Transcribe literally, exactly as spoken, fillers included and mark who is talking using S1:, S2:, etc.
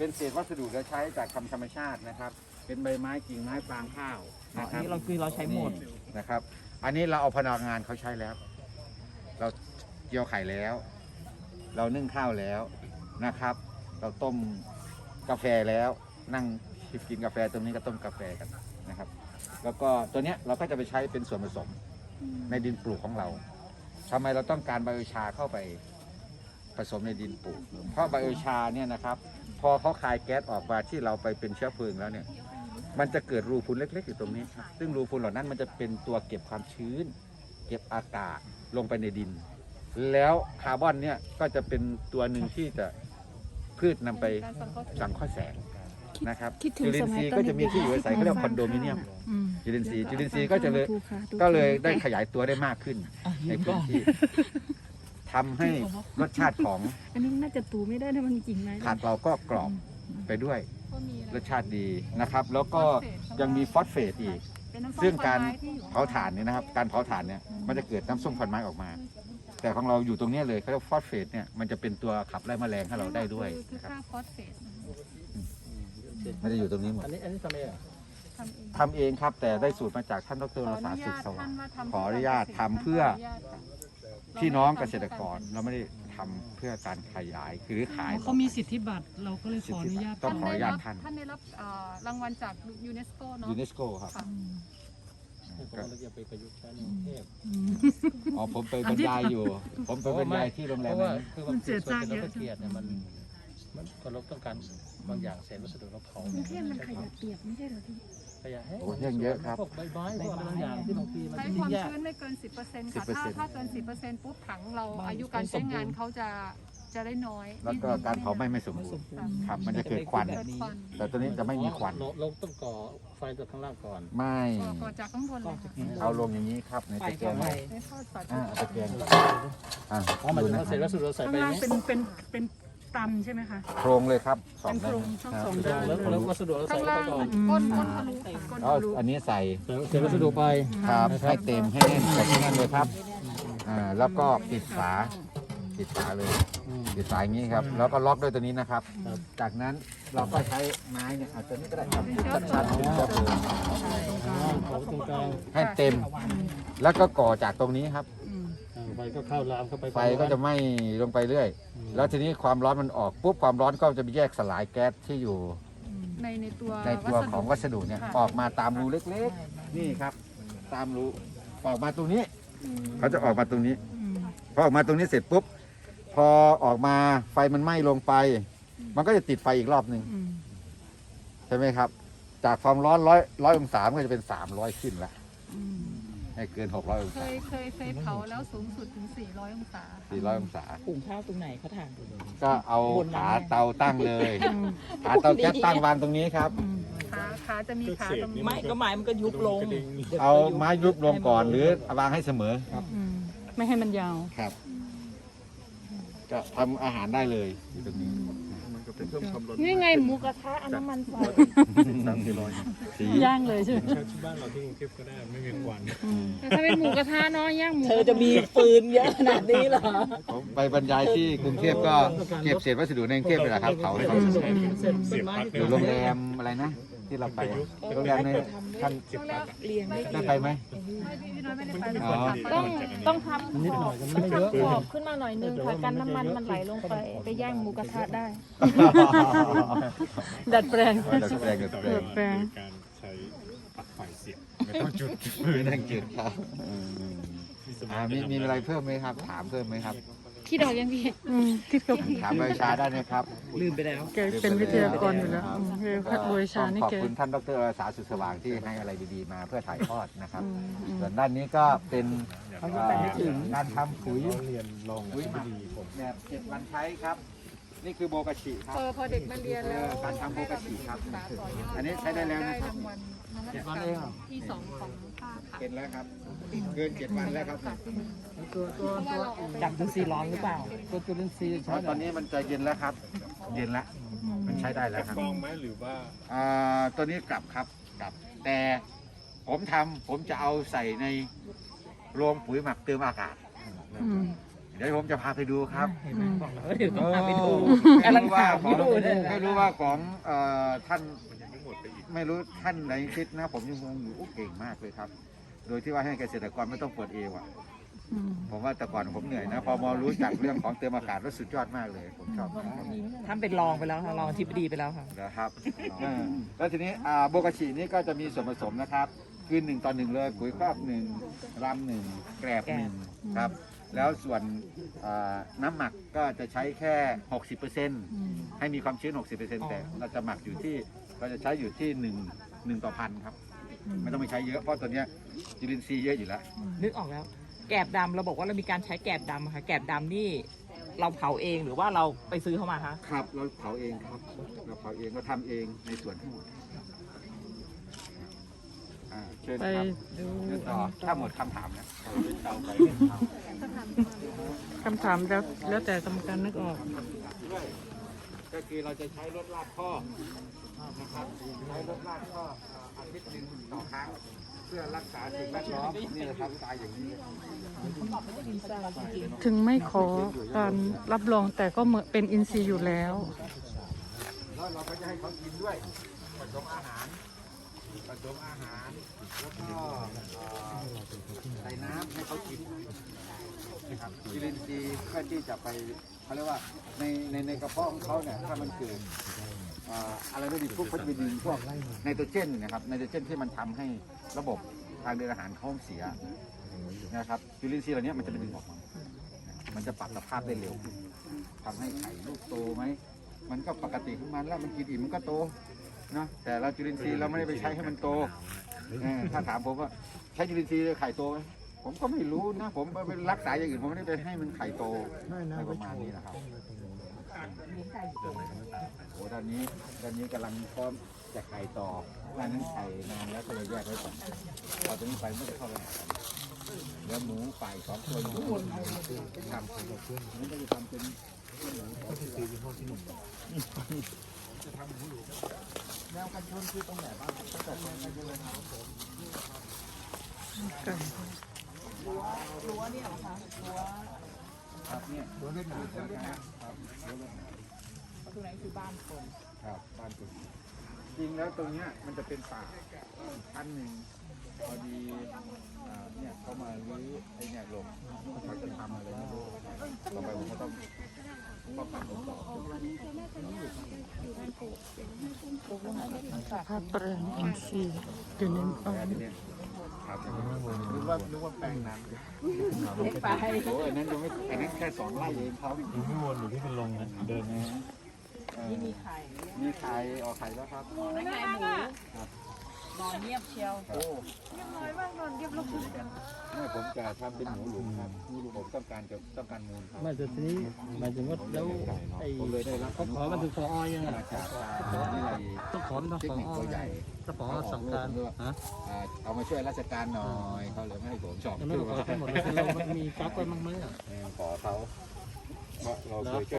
S1: เป็นเศษวัสดุเหลือใช้จากธรรมธรรมชาตินะครับ เป็นใบไม้กิ่งไม้ฟางข้าว
S2: อั
S1: นะ
S2: น
S1: ครับ
S2: นี้เราคือเราใช้หมด
S1: นะครับ อันนี้เราเอาพนักงานเขาใช้แล้ว เราเจียวไข่แล้ว เรานึ่งข้าวแล้วนะครับ เราต้มกาแฟแล้วนั่งกินกาแฟตรงนี้ก็ต้มกาแฟกันนะครับ แล้วก็ตัวเนี้ยเราก็จะไปใช้เป็นส่วนผสมในดินปลูกของเราทำไมเราต้องการไบโอชาเข้าไปผสมในดินปลูก เพราะไบโอชาเนี่ยนะครับ พอเขาคายแก๊สออกมาที่เราไปเป็นเชื้อเพลิงแล้วเนี่ย มันจะเกิดรูพุนเล็กๆอยู่ตรงนี้ครับซึ่งรูพุนเหล่านั้นมันจะเป็นตัวเก็บความชื้น เก็บอากาศลงไปในดิน แล้วคาร์บอนเนี่ยก็จะเป็นตัวหนึ่งที่จะพืชนำไปสังเคราะห์แสงนะครับจุลินทรีย์ก็จะมีที่อยู่อาศัยเขาเรียกคอนโดมิเนียมจุลินทรีย์จุลินทรีย์ก็จะเลยก็เลยได้ขยายตัวได้มากขึ้นในพื้นที่ทำให้รสชาติของ
S3: อันนี้น่าจะตูไม่ได้ถ้ามันจริงไหม
S1: ผักเราก็กรอบไปด้วยรสชาติดีนะครับ แล้วก็ยังมีฟอสเฟตอีก ซึ่งการเผาถ่านเนี่ยนะครับ การเผาถ่านเนี่ยมันจะเกิดน้ำส้มควันไม้ออกมา แต่ของเราอยู่ตรงนี้เลยเขาเรียกฟอสเฟตเนี่ยมันจะเป็นตัวขับไล่แมลงให้เราได้ด้วย
S4: คือ
S1: นะครับ
S4: ค่าฟอสเฟต
S1: มันจะอยู่ตรงนี้หมด
S2: อันนี้อันนี้ทำเองเหรอ
S4: ทำเอง
S1: ทำเองครับ แต่ได้สูตรมาจากท่านดรรักษาสุขสวัสดิ์ ขออนุญาตทำเพื่อ พี่น้องเกษตรกรเราไม่ได้ทำเพื่อการขยายคือขาย
S5: เขามีสิทธิบัตรเราก็เลยขออนุญาต
S1: ต้องขออนุญาตท่าน
S4: ท่านได้รับเอ่อรางวัลจากยูเนสโกเนาะ
S1: ยูเนสโกครับ
S4: ค่ะ
S2: ผมเราจะไปประยุกต์ใช้ในกรุงเทพ
S1: อ๋อผมไปบรรยายอยู่ ผมไปบรรยายที่โรงแร
S2: เพ
S1: ม
S2: ราะว่า
S1: นั้น
S2: คือบางทีส่วนที่เราเกลียดเนี่ยมันมันคนเราต้องการบางอย่างเศษวัสดุเราเผาก
S3: รุงเทพมันขยะเปียกไม่ใช่เหรอพี่
S2: ขยะแห้ง
S1: โอ้เรื่องเยอะครับ
S2: พวกใบไม้พวกอะไรบางอย่างที่บางทีมัน
S4: ใช้
S2: ทิ้
S4: ควาง ม
S2: ยาก
S4: ชื้นไม่เกิน สิบเปอร์เซ็นต์ค่ะ
S1: สิบเปอร์
S4: ถ้า
S1: เซ็นต์
S4: ถ้าเกิน สิบเปอร์เซ็นต์ ปุ๊บถังเราอายุการใช้งานเขาจะจะได้น้อย
S1: แล้วก็การเผาไหม้ไม่สมบูรณ์ครับ มันจะเกิดควัน
S4: เกิดควัน
S1: แต่ตัวนี้จะไม่มีควัน
S2: เราเราต้องก่อไฟจากข้างล่างก่อน
S1: ไม่
S4: ก่อก่อจากข้างบนเลยค่ะ
S1: เอาลงอย่างนี้ครับในตะแกรง
S4: ในทอดฝา
S1: อ่า
S4: ชุบ
S1: เอาตะแกรงอ่า
S2: เพราะมัน
S1: ดู
S2: จะ
S1: นะ
S2: เอาเศษวัสดุเราใส่
S5: ข้าง
S2: ไป
S5: ล่าง
S2: นี้
S5: เป็นเป็นเป็นตันใช่ไหมคะ
S1: โครงเลยครับสอง
S5: เป็นโครงช่องสองด้าน
S2: แล้วแล้ววัสดุเรา
S4: ข้า
S2: ใส่
S4: ง
S2: ไป
S4: ล่าง
S2: ก่อน
S4: ก้นก้นทะลุค่ะก้น
S1: เอา
S4: ทะลุ
S1: อันนี้ใส่
S2: เศษวัสดุไป
S1: ครับให้เต็มให้แน่นกดให้แน่นเลยครับอ่าแล้วก็ปิดฝาปิดฝาเลยปิดฝาอย่างนี้ครับ แล้วก็ล็อกด้วยตัวนี้นะครับ จากนั้นเราก็ใช้ไม้เนี่ยอาจจะนี่ก็ได้ครับชันๆเป็นเชื้อเพลิง
S2: ขอตรงกลาง
S1: ให้เต็ม แล้วก็ก่อจากตรงนี้ครับ
S2: ไฟก็เข้าลามเข้าไป
S1: ไฟก็จะไหม้ลงไปเรื่อย แล้วทีนี้ความร้อนมันออกปุ๊บความร้อนก็จะไปแยกสลายแก๊สที่อยู่
S4: ในในตัว
S1: ในตัวของวัสดุเนี่ย
S4: ค่ะ
S1: ออกมาตามรูเล็กๆ นี่ครับ ตามรูออกมาตรงนี้ เขาจะออกมาตรงนี้พอออกมาตรงนี้เสร็จปุ๊บพอออกมาไฟมันไหม้ลงไป มันก็จะติดไฟอีกรอบหนึ่งใช่ไหมครับ จากความร้อนร้อยร้อยองศามันก็จะเป็นสามร้อยขึ้นละให้เกินหกร้อยอง
S4: เค
S1: ศาย
S4: เคยเคยเผาแล้วสูงสุดถึง สี่ร้อย องศา
S1: สี่ร้อยองศา
S6: หุงข้าวตรงไหนเขาถาม
S1: ก็เอาขาเตาตั้งเลยขาเตาแก๊สตั้งวางตรงนี้ครับ
S4: ขาขาจะมีขาตรงนี้
S6: ไม่ก็ไม้มันก็ยุบลง
S1: เอาไม้ยุบลงก่อนหรือวางให้เสมอครับ
S5: ไม่ให้มันยาว
S1: ครับ ก็ทำอาหารได้เลยอยู่ตรงนี้
S3: นี่ไงหมูกระทะเอาน้ำมันใส่
S1: สี
S5: ย่างเลยใช่ไหม
S2: บ้านเราที่กรุงเทพก็ได้ไม่มีควัน
S3: แต่ถ้าเป็นหมูกระทะเนาะย่างหมู
S6: เธอจะมีฟืนเยอะขนาดนี้เหรอ
S1: ผมไปบรรยายที่กรุงเทพก็เก็บเศษวัสดุในกรุงเทพเลยแหละครับเผาให้เขาอยู่โรงแรมอะไรนะ ที่เราไปโรงแรมในท่าน
S6: เลี้ยงไม่
S1: ได้ไปไหม
S4: พี่น้อยไม่ได้ไปเลย
S1: อ๋อ
S4: ค่ะ
S3: ต้องต้องทำขอบต้องทำขอบขึ้นมาหน่อยนึงค่ะกันน้ำมันมันไหลลงไปไปย่างหมูกระทะได้
S5: ดัดแปลง
S1: ดัดแปลงดัดแปลง
S5: ดัดแปลง
S7: การใช้ปลั๊กไฟเสียบ
S1: ไม่ต้องจุดไม่ต้องจุดครับอืมอ่ามีมีอะไรเพิ่มไหมครับ ถามเพิ่มไหมครับ
S3: คิดออกยังพี่
S5: อืมคิดกับ
S1: ถามใบชาได้นะครับ
S6: ลืมไปแล้ว
S5: แกเป็นวิทยากรอยู่แล้วอืมคือพัดบวยชานี่
S1: ขอบ
S5: แก
S1: คุณท่านดรอาสาสุดสว่างที่ให้อะไรดีๆมาเพื่อถ่ายทอดนะครับ
S5: อืมอืม
S1: ส่วนด้านนี้ก็เป็น
S6: เขาจะไปไม่ถึง
S1: การทำปุ๋ย
S7: เรียนลง
S1: ปุ๋ยหมักแบบเจ็ดวันใช้ครับ นี่คือโบกาชิครับ
S4: พอพอเด็กมาเรียนแล้ว
S1: การทำโบกาชิครับ
S4: ศึกษาต่อยอด
S1: อันนี้ใช้ได้แล้วนะครับ
S4: ได้รางวัลนวัตกรรมที่สองของภาคค่ะ
S1: เป็นแล้วครับ เกินเจ็ดวันแล้วครับ
S2: ตัวตัว
S4: เพราะว่าเราเอาไป
S6: จับจุลินทรีย์ร้อนหรือเปล่า
S2: ตัวจุลินทรีย์
S1: เพราะตอนนี้มันจะเย็นแล้วครับ เย็นแล้ว มันใช้ได้แล้วครับ
S7: กองไหมหรือว่า
S1: อ่าตัวนี้กลับครับกลับ แต่ผมทำผมจะเอาใส่ในโรงปุ๋ยหมักเติมอากาศ
S5: อืม
S1: นดี๋ยวผมจะพาไปดูครับ
S6: เห็นไหมบอกแล้วว่าเดี๋ยวต้องพาไปดู
S1: ไม่
S6: กำลัง
S1: รู้ว่า
S6: ถาม
S1: ข
S6: อ
S1: อง
S6: ยู่เนี่ย
S1: ไม่รู้ว่าของเอ่อท่านไม่รู้ท่านไหนคิดนะ ผมยังงงอยู่โอ้เก่งมากเลยครับ โดยที่ว่าให้เกษตรกรไม่ต้องเปิดเอวอ่ะ
S5: อืม
S1: ผมว่าแต่ก่อนผมเหนื่อยนะ พอมารู้จักเรื่องของเติมอากาศแล้วสุดยอดมากเลย ผมชอบครับ
S6: ท่านเป็นรองไปแล้วค่ะรองอธิบดีไปแล้วค่ะ
S1: นะครับเออแล้วทีนี้อ่าโบกาชินี่ก็จะมีส่วนผสมนะครับ คือหนึ่งต่อหนึ่งเลยปุ๋ยครอบหนึ่งรำหนึ่งแกรบหนึ่งครับ แล้วส่วนอ่าน้ำหมักก็จะใช้แค่ หกสิบเปอร์เซ็นต์
S5: อืม
S1: ให้มีความชื้น หกสิบเปอร์เซ็นต์ แต่เราจะหมักอยู่ที่เราจะใช้อยู่ที่หนึ่ง หนึ่งต่อพันครับ ไม่ต้องไปใช้เยอะเพราะตัวเนี้ยจุลินทรีย์เยอะอยู่แล้ว
S6: นึกออกแล้ว แกบดำเราบอกว่าเรามีการใช้แกบดำค่ะแกบดำนี่เราเผาเองหรือว่าเราไปซื้อเข้ามาคะ
S1: ครับเราเผาเองครับ เราเผาเองเราทำเองในส่วนทั้งหมดอ่าเชิญ
S5: ไป
S1: ครับ
S5: ดู
S1: เชิญต่อถ้าหมดคำถามนะ
S5: คำถามแล้วแล้วแต่กรรมการนึกออก
S1: ด้วยก็คือเราจะใช้รถลากข้อนะครับใช้รถลากข้อเอ่ออาทิตย์หนึ่งต่อครั้งเพื่อรักษาสิ่งแวดล้อมนี่นะครับตายอย่างนี้
S5: ถึงไม่ขอการรับรองแต่ก็เหมือนเป็นอินทรีย์อยู่แล้ว
S1: แล้วเราก็จะให้เขากินด้วยผสมอาหารผสมอาหารแล้วก็เอ่อใส่น้ำให้เขากินนะครับจุลินทรีย์เพื่อที่จะไปเขาเรียกว่าในในในกระเพาะของเขาเนี่ยถ้ามันเกิดเอ่ออะไรไม่ดีพวกเขาจะไปดึงพวกไนโตรเจนนะครับไนโตรเจนที่มันทำให้ระบบทางเดินอาหารเขาเสียนะครับจุลินทรีย์เหล่านี้มันจะไปดึงออกมามันจะปรับสภาพได้เร็วขึ้นทำให้ไข่ลูกโตไหมมันก็ปกติของมันแล้วมันกินอิ่มมันก็โตเนาะแต่เราจุลินทรีย์เราไม่ได้ไปใช้ให้มันโตเออถ้าถามผมว่าใช้จุลินทรีย์ไข่โตไหมผมก็ไม่รู้นะผมไปรักษาอย่างอื่นผมไม่ได้ไปให้มันไข่โตอะไรประมาณนี้นะครับโอ้ด้านนี้ด้านนี้กำลังพร้อมจะไข่ต่อด้านนั้นไข่นานแล้วก็เลยแยกไว้ก่อนพอตรงนี้ไปไม่ได้เข้าไปหากันแล้วหมูไก่สองตัวอยู่บนทำมันก็จะทำเป็นหมูสองตัวจะทำหมูหลูแนวกันชนคือตรงไหนบ้างตั้งแต่ตรงไหนเลยครับผม
S5: ไก่
S6: รั้วเนี่ยเหรอคะรั้ว
S1: ครับเนี่ยรั้วเล่นหนาครับรั้วเล่นหนา
S6: ตรงไหนคือบ้านคน
S1: ครับบ้านคุณจริงแล้วตรงเนี้ยมันจะเป็นป่าชั้นหนึ่งพอดีอ่าเนี่ยเขามาลื้อไอ้เนี่ยลงเขาจะทำอะไรไม่รู้ต่อไปผมก็ต้องต้องทำลงต่อ
S5: ภาพแปลงอินทรีย์อยู่ในบ้าน
S1: ทีเนี้ยครับนึกว่านึกว่าแปลงนั้น
S6: ไป
S1: โอ้อันนั้นยังไม่อันนั้นแค่สองไร่เองครับ
S7: อยู่ข้างบนอยู่ที่เป็นลงนะเดินนะ
S1: เอ่อ
S6: นี่มีไข่
S1: มีไข่ออกไข่แล้วครับ
S6: ไม่ไข่หมูนอนเงียบเชียว
S1: โอ้เรียบร้อยมากนอนเรียบร้อยไม่ผมจะทำเป็นหมูหลุมครับหมูหลุมผมต้องการจะต้องการมูลครับ
S2: ไม่แต่ทีนี้หมายถึงว่าแล้วไอ้
S1: ผมเลยได้รับ
S2: เขาขอมันถึงพอยังไง
S1: มาจากทางวิทยาลัย
S2: ต้องขอมันต้อง
S1: เทค
S2: ขอ
S1: นิคตัวใหญ่
S2: ถ้าขอสั่งการฮะ
S1: อ่าเอามาช่วยราชการหน่อยเขาเลยไม่ให้ผมสอบ
S2: ยังไม่
S1: คือ
S2: ขอ
S1: ว่า
S2: ทั้งหมดเลยเรามันมีกั๊กไว้บ้างไหมอ่ะ
S1: ขอเขาเพราะเราเคยช่วย